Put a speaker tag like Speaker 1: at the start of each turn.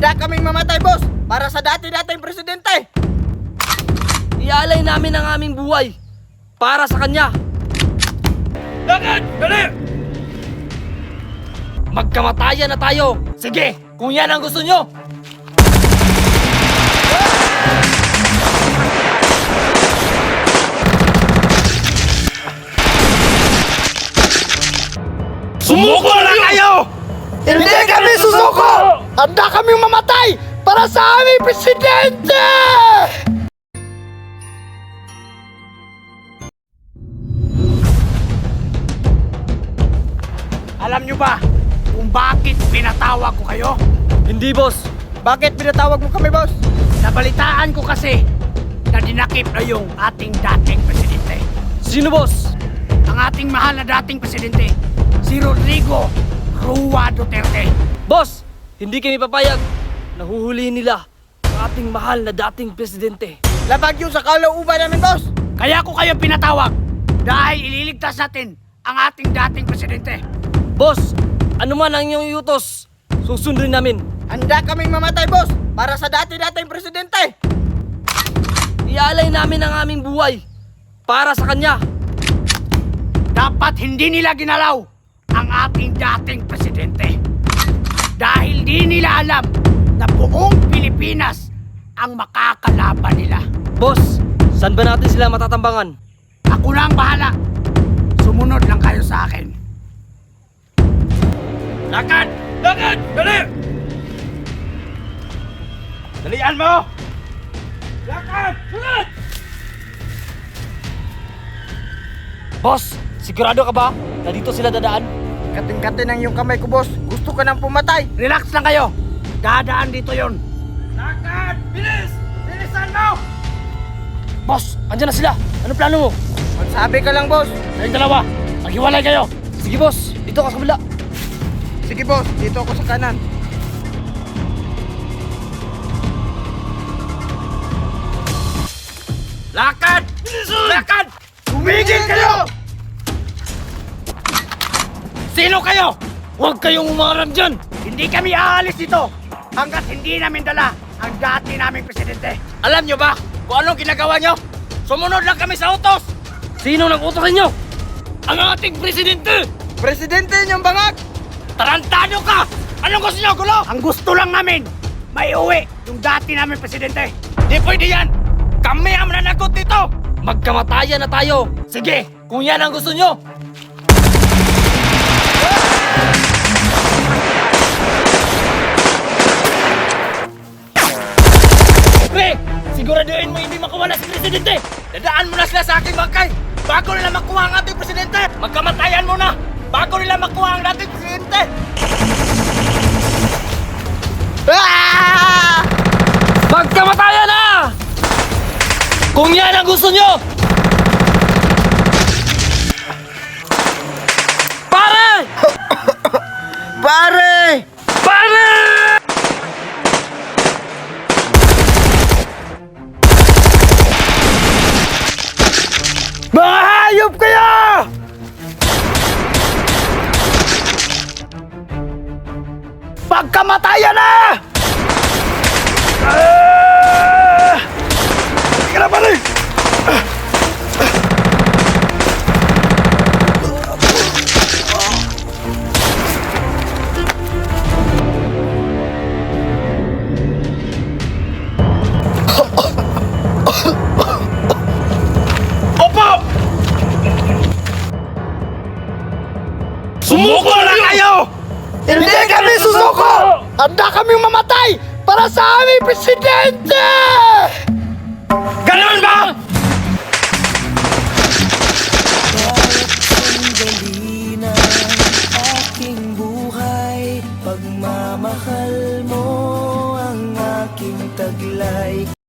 Speaker 1: Handa kaming mamatay, boss, para sa dati-dating presidente.
Speaker 2: Iaalay namin ang aming buhay para sa kanya.
Speaker 3: Lakad! Dali!
Speaker 2: Magkamatayan na tayo. Sige, kung yan ang gusto nyo.
Speaker 3: Sumuko na kayo!
Speaker 1: Hindi kami susuko! Handa kaming mamatay para sa aming presidente!
Speaker 3: Alam nyo ba kung bakit pinatawag ko kayo?
Speaker 2: Hindi, boss.
Speaker 1: Bakit pinatawag mo kami, boss?
Speaker 3: Nabalitaan ko kasi na dinakip na yung ating dating presidente.
Speaker 2: Sino, boss?
Speaker 3: Ang ating mahal na dating presidente, si Rodrigo Roa Duterte.
Speaker 2: Boss, hindi kami papayag. Nahuhulihin nila ang ating mahal na dating presidente.
Speaker 1: Labag yun sa kalooban namin, boss!
Speaker 3: Kaya ko kayo pinatawag dahil ililigtas natin ang ating dating presidente.
Speaker 2: Boss, ano man ang inyong iutos, susundin namin.
Speaker 1: Handa kaming mamatay, boss, para sa dati-dating presidente!
Speaker 2: Iaalay namin ang aming buhay para sa kanya.
Speaker 3: Dapat hindi nila ginalaw ang ating dating presidente. Dahil di nila alam na buong Pilipinas ang makakalaban nila.
Speaker 2: Boss, saan ba natin sila matatambangan?
Speaker 3: Ako na ang bahala. Sumunod lang kayo sa akin. Lakad! Lakad! Dali! Dalian mo! Lakad! Sunod!
Speaker 2: Boss, sigurado ka ba na dito sila dadaan?
Speaker 1: Kating-kating ang iyong kamay ko, boss. Gusto ka nang pumatay.
Speaker 3: Relax lang kayo. Dadaan dito yon. Lakad! Bilis! Bilisan mo!
Speaker 2: Boss, andyan na sila. Anong plano mo?
Speaker 1: Magsabi ka lang, boss.
Speaker 3: Kayong dalawa, maghiwalay kayo.
Speaker 2: Sige, boss. Dito ka sa kabila.
Speaker 1: Sige, boss. Dito ako sa kanan.
Speaker 3: Lakad! Lakad! Tumigil kayo! Sino kayo?
Speaker 2: Huwag kayong umarang dyan!
Speaker 3: Hindi kami aalis dito hanggat hindi namin dala ang dati naming presidente. Alam nyo ba kung anong ginagawa nyo? Sumunod lang kami sa utos!
Speaker 2: Sino nag-utos sa inyo?
Speaker 3: Ang ating presidente!
Speaker 1: Presidente niyong bangag!
Speaker 3: Tarantado ka! Anong gusto nyo, gulo? Ang gusto lang namin, may uwi yung dati namin presidente. Di pwede yan! Kami ang mananagot dito!
Speaker 2: Magkamatayan na tayo!
Speaker 3: Sige,
Speaker 2: Kung yan ang gusto nyo!
Speaker 3: pre! Siguraduhin mo hindi makawala si presidente! Dadaan mo na sila sa aking bangkay bago nila makuha ang ating presidente! Magkamatayan mo na bago nila makuha ang dating presidente!
Speaker 1: Ah!
Speaker 2: Magkamatayan na! Kung yan ang gusto nyo! Pare!
Speaker 1: Pare!
Speaker 2: Pare!
Speaker 1: Mga hayop kayo!
Speaker 3: Pagkamatayan na! Sige na, pare! Opo! Sumuko na kayo!
Speaker 1: Hindi kami susuko! Handa kaming mamatay para sa aming presidente!
Speaker 3: Ganun ba?